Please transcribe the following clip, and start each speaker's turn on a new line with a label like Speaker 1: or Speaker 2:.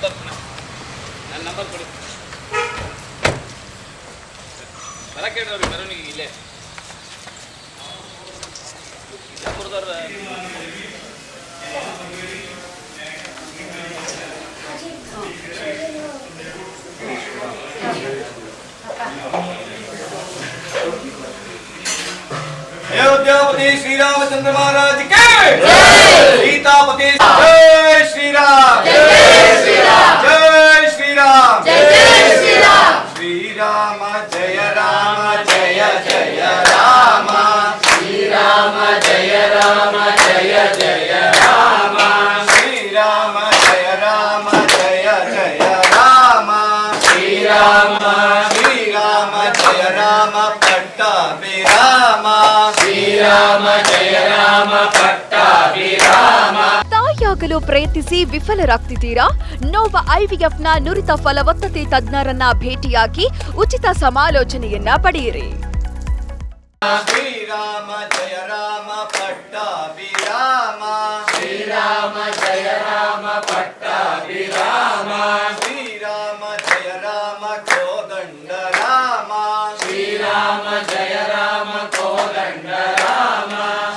Speaker 1: ನನ್ನ ನಂಬರ್ ಕೊಡಿ. ಬರಕ್ಕೆ ಹೇಳ್ರಿ ಮೆರವಣಿಗೆ ಇಲ್ಲೇ ಬಿಜಾಪುರದವ್ರ
Speaker 2: अयोध्यापति श्री रामचंद्र महाराज के सीतापति जय श्री राम जय श्री राम जय श्री राम जय श्री राम श्री राम जय राम जय जय राम श्री राम जय राम जय जय राम श्री राम जय राम जय जय राम श्री राम जय राम पट्टाभिराम ಶ್ರೀರಾಮ ಜಯ ರಾಮ ಪಟ್ಟಾಭಿರಾಮ.
Speaker 3: ತಾಯಿಯಾಗಲು ಪ್ರಯತ್ನಿಸಿ ವಿಫಲರಾಗ್ತಿದ್ದೀರಾ? ನೋವ ಐವಿಎಫ್ನ ನುರಿತ ಫಲವತ್ತತೆ ತಜ್ಞರನ್ನ ಭೇಟಿಯಾಗಿ ಉಚಿತ ಸಮಾಲೋಚನೆಯನ್ನ ಪಡೆಯಿರಿ.
Speaker 2: ಶ್ರೀರಾಮ ಜಯ ರಾಮ ಪಟ್ಟಾಭಿರಾಮ ಶ್ರೀರಾಮ ಜಯ ರಾಮ ಪಟ್ಟಾಭಿರಾಮ ಶ್ರೀರಾಮ ಜಯ ರಾಮ ಕೋದಂಡ ರಾಮ ಶ್ರೀರಾಮ ಜಯ ರಾಮ ಕೋದಂಡ ರಾಮ